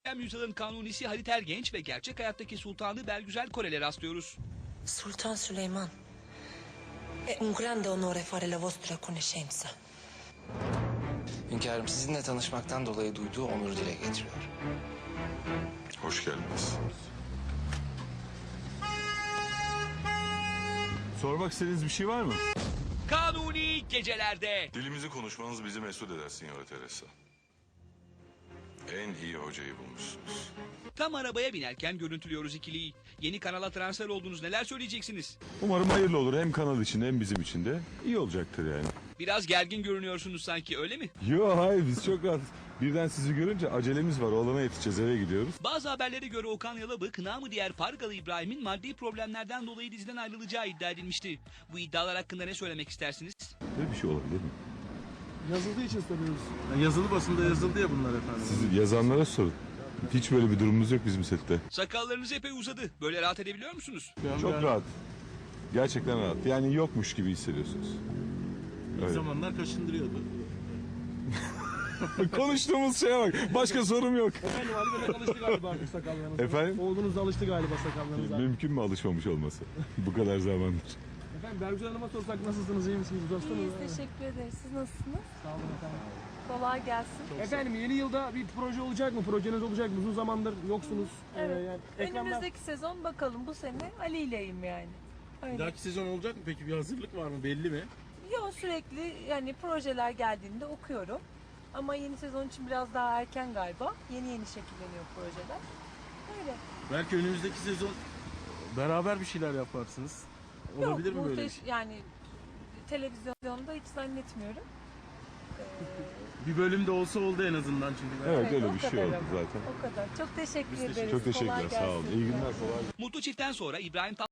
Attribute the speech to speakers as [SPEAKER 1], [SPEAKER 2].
[SPEAKER 1] Yüzyılın kanunisi Halit Ergenç ve gerçek hayattaki sultanı Belgüzel Korel'e rastlıyoruz.
[SPEAKER 2] Sultan Süleyman, è un grande onore fare la vostra conoscenza.
[SPEAKER 3] Hünkârım, sizinle tanışmaktan dolayı duyduğu onuru dile getiriyor.
[SPEAKER 4] Hoş geldiniz.
[SPEAKER 5] Sormak istediğiniz bir şey var mı?
[SPEAKER 1] Kanuni gecelerde.
[SPEAKER 4] Dilimizi konuşmanız bizi mesut eder Signora Teresa. En iyi hocayı bulmuşsunuz.
[SPEAKER 1] Tam arabaya binerken görüntülüyoruz ikiliyi. Yeni kanala transfer oldunuz, neler söyleyeceksiniz?
[SPEAKER 5] Umarım hayırlı olur hem kanal için hem bizim için de. İyi olacaktır yani.
[SPEAKER 1] Biraz gergin görünüyorsunuz sanki, öyle mi?
[SPEAKER 5] Yo hayır biz çok rahat. Birden sizi görünce acelemiz var. Oğlana yetişeceğiz, eve gidiyoruz.
[SPEAKER 1] Bazı haberlere göre Okan Yalabık, namı diğer Pargalı İbrahim'in maddi problemlerden dolayı diziden ayrılacağı iddia edilmişti. Bu iddialar hakkında ne söylemek istersiniz?
[SPEAKER 5] Böyle bir şey olabilir mi?
[SPEAKER 6] Yazıldığı için soruyoruz. Yani yazılı basında yazıldı ya bunlar efendim.
[SPEAKER 5] Siz yazanlara sorun. Hiç böyle bir durumumuz yok bizim sette.
[SPEAKER 1] Sakallarınız epey uzadı. Böyle rahat edebiliyor musunuz?
[SPEAKER 5] Çok rahat. Gerçekten rahat. Yani yokmuş gibi hissediyorsunuz.
[SPEAKER 6] İlk
[SPEAKER 5] Öyle.
[SPEAKER 6] zamanlar kaşındırıyordu.
[SPEAKER 5] Konuştuğumuz şeye bak. Başka sorum yok.
[SPEAKER 6] Efendim Ali Bey'le alıştı galiba artık sakallarınıza.
[SPEAKER 5] Efendim?
[SPEAKER 6] Oğlunuz da alıştı galiba sakallarınıza.
[SPEAKER 5] Mümkün mü alışmamış olması? Bu kadar zamandır.
[SPEAKER 6] Efendim Bergüzar Hanım'a sorsak nasılsınız, iyi misiniz? Uzatsanız.
[SPEAKER 7] İyiyiz, teşekkür ederiz. Siz nasılsınız?
[SPEAKER 6] Sağ olun efendim.
[SPEAKER 7] Kolay gelsin.
[SPEAKER 6] Efendim yeni yılda bir proje olacak mı? Projeniz olacak mı? Uzun zamandır yoksunuz.
[SPEAKER 7] Evet.
[SPEAKER 6] Yani ekranlar...
[SPEAKER 7] Önümüzdeki sezon bakalım, bu sene Ali ileyim yani.
[SPEAKER 6] Bir
[SPEAKER 7] Öyle.
[SPEAKER 6] dahaki sezon olacak mı peki? Bir hazırlık var mı? Belli mi?
[SPEAKER 7] Yo, sürekli yani projeler geldiğinde okuyorum. Ama yeni sezon için biraz daha erken galiba. Yeni şekilleniyor projeler. Öyle.
[SPEAKER 6] Belki önümüzdeki sezon beraber bir şeyler yaparsınız. Olabilir mi böyle bir şey?
[SPEAKER 7] Yani televizyonda hiç zannetmiyorum.
[SPEAKER 6] Bir bölümde olsa oldu en azından çünkü.
[SPEAKER 5] Evet öyle
[SPEAKER 7] o
[SPEAKER 5] bir şey
[SPEAKER 7] kadar
[SPEAKER 5] oldu
[SPEAKER 7] ama.
[SPEAKER 5] zaten.
[SPEAKER 7] O kadar. Çok teşekkür ederiz.
[SPEAKER 5] Çok
[SPEAKER 7] Kolay
[SPEAKER 5] teşekkürler. Sağ olun.
[SPEAKER 7] gelsin.
[SPEAKER 5] İyi günler. Kolay gelsin.
[SPEAKER 1] Mutlu çiftten sonra İbrahim